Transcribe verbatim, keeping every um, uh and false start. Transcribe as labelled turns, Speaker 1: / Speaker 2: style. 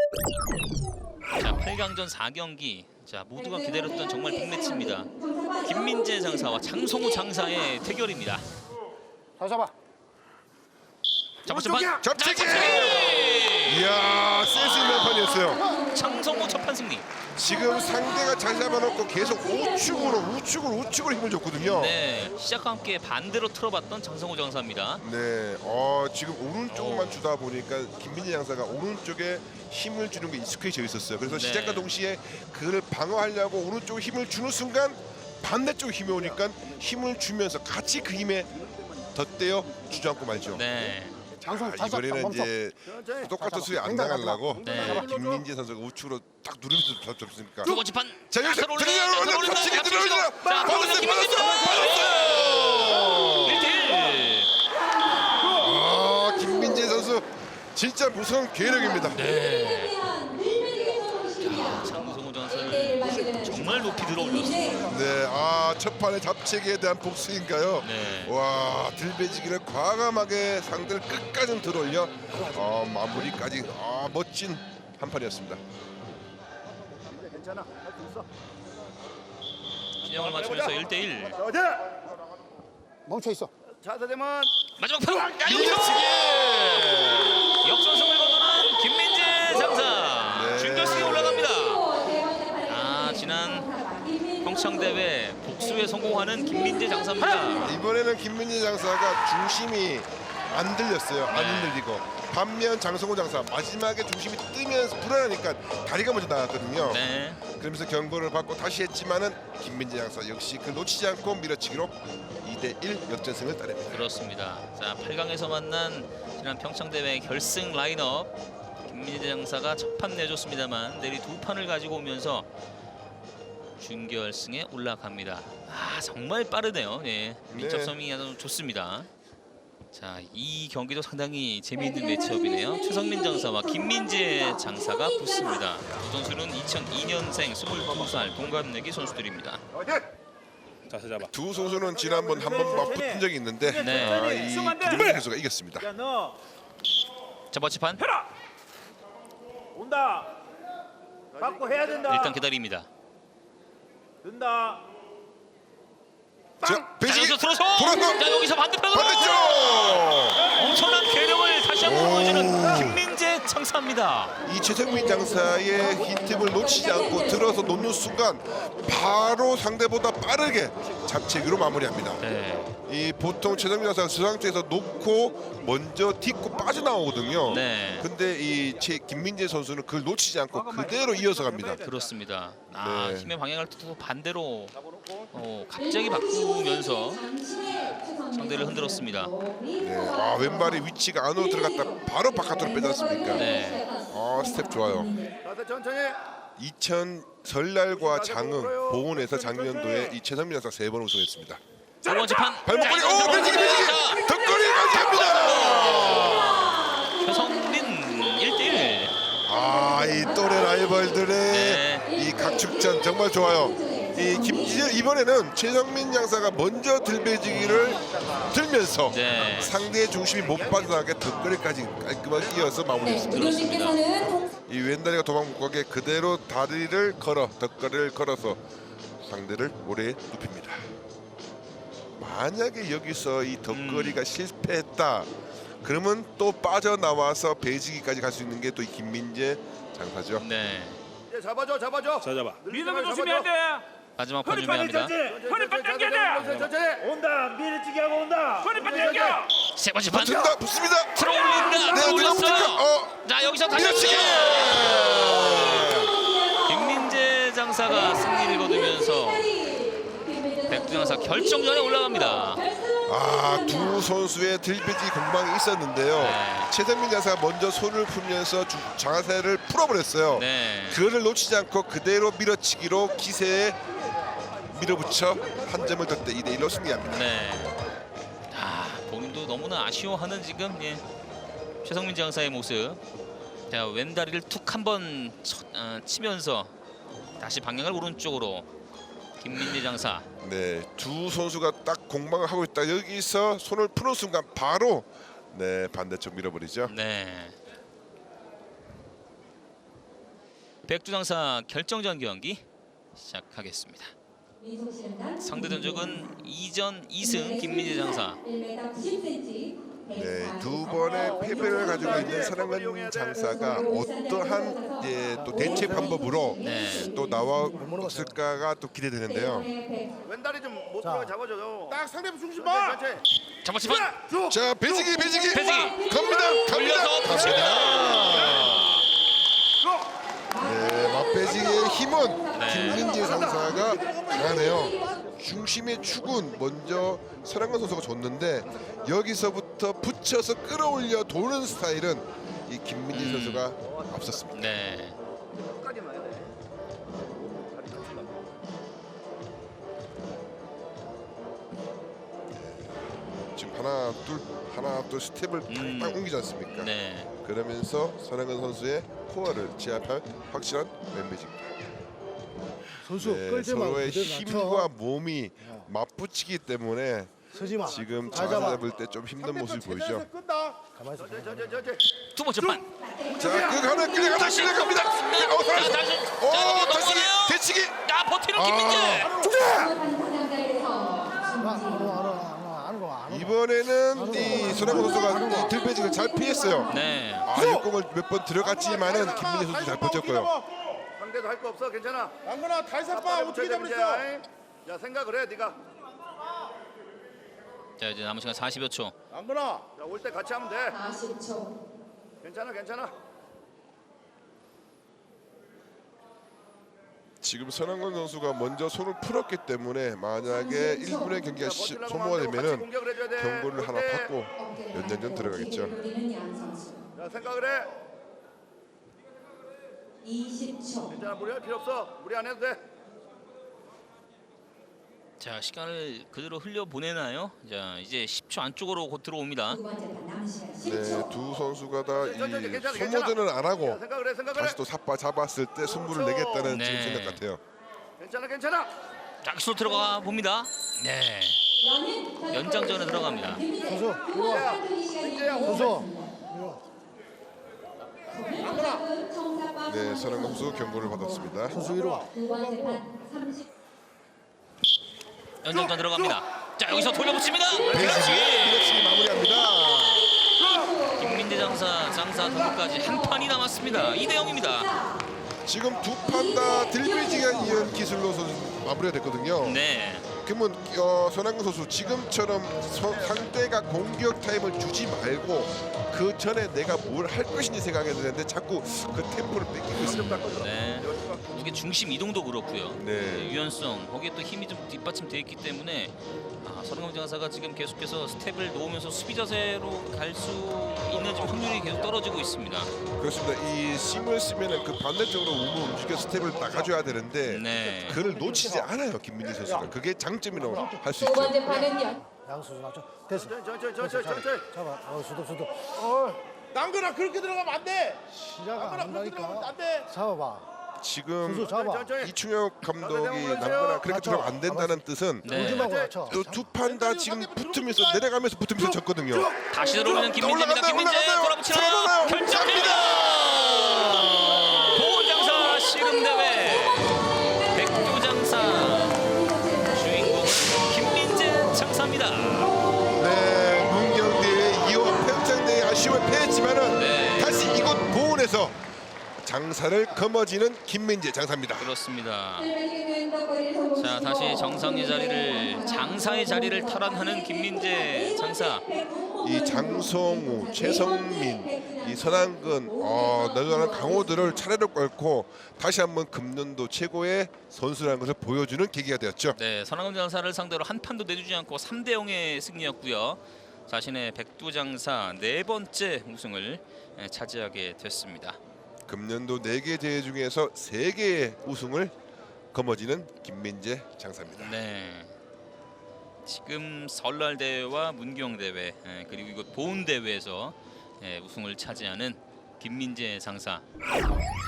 Speaker 1: 자, 팔 강전 사 경기. 자, 모두가 기다렸던 정말 빅매치입니다. 김민재 장사와 장성우 장사의 대결입니다.
Speaker 2: 다 잡아.
Speaker 1: 자, 먼저 반.
Speaker 3: 잡채기!
Speaker 1: 자, 잡채기!
Speaker 3: 이야, 센스 있는 판이었어요.
Speaker 1: 장성우 첫판 승리.
Speaker 3: 지금 상대가 잘 잡아놓고 계속 우측으로 우측으로 우측으로 힘을 줬거든요.
Speaker 1: 네, 시작과 함께 반대로 틀어봤던 장성우 장사입니다.
Speaker 3: 네, 어, 지금 오른쪽만 주다 보니까 김민재 장사가 오른쪽에 힘을 주는 게 익숙해져 있었어요. 그래서
Speaker 1: 네.
Speaker 3: 시작과 동시에 그를 방어하려고 오른쪽에 힘을 주는 순간 반대쪽 힘이 오니까 힘을 주면서 같이 그 힘에 덧대어 주저앉고 말죠.
Speaker 1: 네.
Speaker 2: 장성
Speaker 3: 아,
Speaker 2: 다 잡아.
Speaker 3: 이번에는
Speaker 2: 멈춰.
Speaker 3: 이제 똑같은 수에 안
Speaker 2: 맹단
Speaker 3: 당하려고
Speaker 1: 네.
Speaker 3: 김민재 선수가 우측으로 딱 누르면서 잡습니까?
Speaker 1: 두 번째 판.
Speaker 3: 자, 여기서
Speaker 1: 들어올라,
Speaker 3: 들어올라,
Speaker 1: 들어올라,
Speaker 3: 잡채기
Speaker 1: 잡채기
Speaker 3: 들어올라.
Speaker 1: 시도. 자,
Speaker 3: 받았어요,
Speaker 1: 들어올라,
Speaker 3: 받았어요,
Speaker 1: 일 대 일.
Speaker 3: 아, 김민재 선수 진짜 무서운 괴력입니다.
Speaker 1: 네. 자, 장성우 장사를 정말 높이 들어올렸습니다.
Speaker 3: 네, 아, 첫 판의 잡채기에 대한 복수인가요?
Speaker 1: 네.
Speaker 3: 와, 들배지기를 과감하게 상대를 끝까지 들어올려 어, 마무리까지 아, 멋진 한 판이었습니다.
Speaker 2: 괜찮아. 할 수 있어.
Speaker 1: 균형을 맞추면서 일 대 일.
Speaker 2: 멈춰 있어.
Speaker 4: 자세되면
Speaker 1: 마지막 판. 야, 여기서
Speaker 3: 밀치기!
Speaker 1: 역전승을 거두는 김민재 장사.
Speaker 3: 네.
Speaker 1: 준결승에 올라갑니다. 아, 지난 평창 대회 복수에 성공하는 김민재 장사입니다.
Speaker 3: 이번에는 김민재 장사가 중심이 안 들렸어요. 안
Speaker 1: 네.
Speaker 3: 흔들리고. 반면 장성호 장사 마지막에 중심이 뜨면서 불안하니까 다리가 먼저 나갔거든요.
Speaker 1: 네.
Speaker 3: 그러면서 경고를 받고 다시 했지만은 김민재 장사 역시 그 놓치지 않고 밀어치기로 이 대 일 역전승을 따냅니다.
Speaker 1: 그렇습니다. 자, 팔 강에서 만난 지난 평창 대회 결승 라인업 김민재 장사가 첫 판 내줬습니다만 내리 두 판을 가지고 오면서 준결승에 올라갑니다. 아, 정말 빠르네요. 예, 민첩성이 아주 좋습니다. 자, 이 경기도 상당히 재미있는 매치업이네요. 최성민 장사와 김민재 장사가 붙습니다. 두 선수는 이천이 년생 스물두 살 동갑내기 선수들입니다.
Speaker 4: 자세 잡아.
Speaker 3: 두 선수는 지난번 한 번 맞붙은 적이 있는데
Speaker 1: 네.
Speaker 3: 아, 이 김민재 선수가 이겼습니다.
Speaker 4: 야 너
Speaker 1: 첫 번째 판
Speaker 4: 해라. 온다. 받고 해야 된다.
Speaker 1: 일단 기다립니다.
Speaker 4: 된다.
Speaker 3: 자,
Speaker 1: 자,
Speaker 3: 배지기
Speaker 1: 여기서 들어서
Speaker 3: 돌아서
Speaker 1: 자, 여기서 반대편으로
Speaker 3: 반대쪽.
Speaker 1: 엄청난 괴력을 다시 한번 보여주는 김민재 장사입니다.
Speaker 3: 이 최성민 장사의 힌트를 놓치지 않고 들어서 놓는 순간 바로 상대보다 빠르게 잡채기로 마무리합니다.
Speaker 1: 네.
Speaker 3: 이 보통 최성민 장사가 저 상태에서 놓고 먼저 딛고 빠져나오거든요.
Speaker 1: 네.
Speaker 3: 근데 이 최, 김민재 선수는 그걸 놓치지 않고 그대로 이어서 갑니다.
Speaker 1: 그렇습니다. 아,
Speaker 3: 네.
Speaker 1: 힘의 방향을 또 반대로 어, 갑자기 바꾸면서 상대를 흔들었습니다.
Speaker 3: 네. 아, 왼발이 위치가 안으로 들어갔다 바로 바깥으로 빼지 않습니까?
Speaker 1: 네.
Speaker 3: 아, 스텝 좋아요.
Speaker 4: 자세 천천히.
Speaker 3: 이천 설날과 장흥 보훈에서 작년도에 이 최성민 장사 세 번 우승했습니다.
Speaker 1: 두 번째 판.
Speaker 3: 발목걸이
Speaker 1: 자,
Speaker 3: 오
Speaker 1: 이거
Speaker 3: 배지기 배지기
Speaker 1: 자,
Speaker 3: 덧거리까지 합니다.
Speaker 1: 최성민 일 대 일.
Speaker 3: 아, 이 또래 라이벌들의
Speaker 1: 네.
Speaker 3: 이 각축전 정말 좋아요. 이 김, 이번에는 최성민 장사가 먼저 들배지기를 들면서
Speaker 1: 네.
Speaker 3: 상대의 중심이 못 빠져나가게 덧거리까지 깔끔하게 이어서 마무리했습니다.
Speaker 5: 그렇습니다.
Speaker 3: 이 왼다리가 도망 못 가게 그대로 다리를 걸어 덧거리를 걸어서 상대를 오래 눕힙니다. 만약에 여기서 이 덧거리가
Speaker 1: 음.
Speaker 3: 실패했다 그러면 또 빠져나와서 배지기까지 갈 수 있는 게 또 이 김민재 장사죠.
Speaker 1: 네.
Speaker 4: 이제 잡아줘 잡아줘.
Speaker 6: 자 잡아.
Speaker 4: 믿음을 조심해야 돼.
Speaker 1: 마지막 판
Speaker 4: 허리빨
Speaker 1: 준비합니다.
Speaker 4: 당겨야 돼. 허리빨 당겨야 돼. 천천히. 온다. 밀치기 하고 온다. 허리빨 당겨.
Speaker 1: 세 번째 판.
Speaker 3: 붙는다 붙습니다.
Speaker 1: 들어올린다.
Speaker 3: 네, 누가
Speaker 1: 들어올렸어요.
Speaker 3: 붙을까? 어,
Speaker 1: 자, 여기서 다시
Speaker 3: 밀어치기.
Speaker 1: 김민재 장사가 승리를 거두면서 백두 장사 결정전에 올라갑니다.
Speaker 3: 아, 두 선수의 들배지기 공방이 있었는데요.
Speaker 1: 네.
Speaker 3: 최성민 장사가 먼저 손을 풀면서 주- 장사를 풀어버렸어요.
Speaker 1: 네.
Speaker 3: 그거를 놓치지 않고 그대로 밀어치기로 기세에 밀어붙여 한 점을 덧대 이 대 일로 승리합니다.
Speaker 1: 네. 아, 본인도 너무나 아쉬워하는 지금 예. 최성민 장사의 모습. 자, 왼다리를 툭 한번 어, 치면서 다시 방향을 오른쪽으로 김민재 장사.
Speaker 3: 네, 두 선수가 딱 공방을 하고 있다. 여기서 손을 푸는 순간 바로 네 반대쪽 밀어버리죠.
Speaker 1: 네. 백두장사 결정전 경기 시작하겠습니다. 상대 전적은 이 전 이 승 김민재 장사.
Speaker 3: 네, 두 번의 패배를 가지고 있는 선한근 장사가 어떠한 예, 또 대체 방법으로
Speaker 1: 네.
Speaker 3: 또 나왔을까가 또 기대되는데요.
Speaker 4: 왼다리 좀 못 들어가 잡아줘요.
Speaker 2: 딱 상대편 중심
Speaker 4: 봐.
Speaker 2: 봐.
Speaker 1: 잡았지만
Speaker 3: 자, 배지기, 배지기,
Speaker 1: 배지기.
Speaker 3: 갑니다, 갑니다,
Speaker 1: 올려서
Speaker 3: 갑니다. 네, 맞배지기의 힘은
Speaker 1: 네.
Speaker 3: 김민재 장사가 강하네요. 중심의 축은 먼저 선한근 선수가 줬는데 여기서부터 붙여서 끌어올려 도는 스타일은 이 김민재
Speaker 1: 음.
Speaker 3: 선수가 앞섰습니다.
Speaker 1: 네.
Speaker 4: 끝까지 놔야 돼. 다리 다친다.
Speaker 3: 지금 하나 둘 하나 둘 스텝을
Speaker 1: 음.
Speaker 3: 딱 옮기지 않습니까?
Speaker 1: 네.
Speaker 3: 그러면서 선한근 선수의 코어를 제압할 확실한 왼배지입니다.
Speaker 2: 선수
Speaker 3: 네,
Speaker 2: 끌지 말고
Speaker 3: 서로의
Speaker 2: 그대로
Speaker 3: 힘과
Speaker 2: 낮춰.
Speaker 3: 몸이 맞붙이기 때문에
Speaker 2: 서지 마.
Speaker 3: 지금
Speaker 2: 잘
Speaker 3: 자세
Speaker 2: 잡아.
Speaker 3: 잡을 때 좀 힘든 모습이 보이죠.
Speaker 2: 가만히 있어.
Speaker 4: 저저저저
Speaker 1: 두 번째 판.
Speaker 3: 자, 그 하나 끌려가다
Speaker 1: 다시.
Speaker 3: 끌려갑니다. 어,
Speaker 1: 자,
Speaker 3: 다시.
Speaker 1: 다시.
Speaker 3: 어,
Speaker 1: 자, 이거
Speaker 3: 다시
Speaker 1: 넘어가나요?
Speaker 3: 대치기.
Speaker 1: 아, 버티는
Speaker 3: 아.
Speaker 1: 김민재.
Speaker 3: 이번에는 이 손흥민 선수가 이 들배직을 잘 피했어요.
Speaker 1: 네.
Speaker 3: 아, 육공을 몇 번 들어갔지만은 김민재 선수 잘 버텼고요.
Speaker 4: 상대도 할 거 없어. 괜찮아.
Speaker 2: 안거나 달색 봐.
Speaker 4: 빨리
Speaker 2: 어떻게
Speaker 4: 붙여야 돼,
Speaker 2: 잡았어?
Speaker 4: 문제야. 야 생각을 해 네가.
Speaker 1: 자, 이제 남은 시간 사십여 초.
Speaker 2: 안거나.
Speaker 4: 올 때 같이 하면 돼.
Speaker 5: 사십 초.
Speaker 4: 괜찮아 괜찮아.
Speaker 3: 지금 선한근 선수가 먼저 손을 풀었기 때문에 만약에 일 분의 경기가 시,
Speaker 4: 버틸라고
Speaker 3: 소모가
Speaker 4: 하면 같이
Speaker 3: 되면은
Speaker 4: 공격을 해줘야 돼.
Speaker 3: 경고를 하나
Speaker 4: 올 때.
Speaker 3: 받고 연장전 들어가겠죠.
Speaker 5: 노리는 양 선수.
Speaker 4: 야 생각을 해.
Speaker 5: 이십 초.
Speaker 4: 괜찮아 무리할 필요 없어. 무리 안 해도 돼.
Speaker 1: 자, 시간을 그대로 흘려 보내나요? 자, 이제 십 초 안쪽으로 곧 들어옵니다.
Speaker 5: 두 번째 판 남은 시간 십
Speaker 3: 네,
Speaker 5: 초.
Speaker 3: 두 선수가 다
Speaker 4: 괜찮아,
Speaker 3: 이
Speaker 4: 괜찮아,
Speaker 3: 소모전은 안
Speaker 4: 야,
Speaker 3: 하고
Speaker 4: 생각을 해 생각을 해.
Speaker 3: 다시 또 삿바 잡았을 때 승부를 내겠다는
Speaker 1: 네.
Speaker 3: 지금 생각 같아요.
Speaker 4: 괜찮아 괜찮아.
Speaker 1: 자, 기술 들어가 봅니다. 네. 연장전에 들어갑니다.
Speaker 2: 선수 이리 와. 선수.
Speaker 3: 네, 선한근 선수 경고를 받았습니다.
Speaker 2: 선수 이리 와.
Speaker 5: 두 번째 판 삼십.
Speaker 1: 연장전 들어갑니다. 자, 여기서 돌려붙입니다.
Speaker 3: 배지기
Speaker 1: 그렇지.
Speaker 3: 그렇지 마무리합니다.
Speaker 1: 김민재 장사 장사 등록까지 한 판이 남았습니다. 이 대 영입니다.
Speaker 3: 지금 두 판 다 들배지기에 이은 기술로 선 마무리가 됐거든요.
Speaker 1: 네.
Speaker 3: 그러면 어, 손흥민 선수 지금처럼 서, 상대가 공격 타임을 주지 말고 그 전에 내가 뭘 할 것인지 생각해야 되는데 자꾸 그 템포를 뺏기고 있습니다.
Speaker 1: 네. 이게 중심 이동도 그렇고요.
Speaker 3: 네.
Speaker 1: 유연성 거기에 또 힘이 좀 뒷받침돼 있기 때문에 아, 선흥민 장사가 지금 계속해서 스텝을 놓으면서 수비 자세로 갈 수 있는 지금 확률이 계속 떨어지고 있습니다.
Speaker 3: 그렇습니다. 이 심을 쓰면은 그 반대쪽으로 우물 움직여 스텝을 나가줘야 되는데
Speaker 1: 네.
Speaker 3: 그를 놓치지 않아요 김민재 선수가. 그게 장점이라고 할 수
Speaker 5: 두
Speaker 3: 있죠.
Speaker 5: 번째 판은요.
Speaker 2: 양수수 낮춰. 됐어.
Speaker 4: 천천히 천천히 천천히.
Speaker 2: 잡아. 어 수도 수도.
Speaker 6: 남근아 그렇게 들어가면 안 돼.
Speaker 2: 시작 안
Speaker 6: 남근아 그렇게 들어가면
Speaker 2: 한다니까.
Speaker 6: 안 돼.
Speaker 2: 잡아봐.
Speaker 3: 지금
Speaker 2: 선수 잡아.
Speaker 4: 천천히.
Speaker 3: 이충혁 감독이
Speaker 4: 올라오세요.
Speaker 3: 남거나 그렇게
Speaker 2: 맞춰.
Speaker 3: 들어가면 안 된다는 뜻은
Speaker 1: 네.
Speaker 2: 울지 말고 낮춰.
Speaker 3: 또 두 판 다 지금 붙으면서 내려가면서 붙으면서 졌거든요.
Speaker 1: 다시 들어오는 김민재입니다.
Speaker 3: 올라간다,
Speaker 1: 김민재
Speaker 3: 올라간다요.
Speaker 1: 돌아붙이나요?
Speaker 3: 들어가나요?
Speaker 1: 결정입니다. 보훈장사 씨름대회 백두장사 주인공은 김민재 장사입니다.
Speaker 3: 네, 문경대회 이호 평창대회 아쉬움을 패했지만은
Speaker 1: 네.
Speaker 3: 다시 이곳 보훈에서 장사를 거머쥐는 김민재 장사입니다.
Speaker 1: 그렇습니다. 자, 다시 정상의 자리를 장사의 자리를 탈환하는 김민재 장사.
Speaker 3: 이 장성우, 최성민, 이 선한근, 어, 너저런 강호들을 차례로 꺾고 다시 한번 금년도 최고의 선수라는 것을 보여주는 계기가 되었죠.
Speaker 1: 네, 선한금 장사를 상대로 한 판도 내주지 않고 삼 대 영의 승리였고요. 자신의 백두장사 네 번째 우승을 차지하게 됐습니다.
Speaker 3: 금년도 네 개 대회 중에서 세 개의 우승을 거머쥐는 김민재 장사입니다.
Speaker 1: 네. 지금 설날 대회와 문경 대회 그리고 이곳 보훈 대회에서 우승을 차지하는 김민재 장사.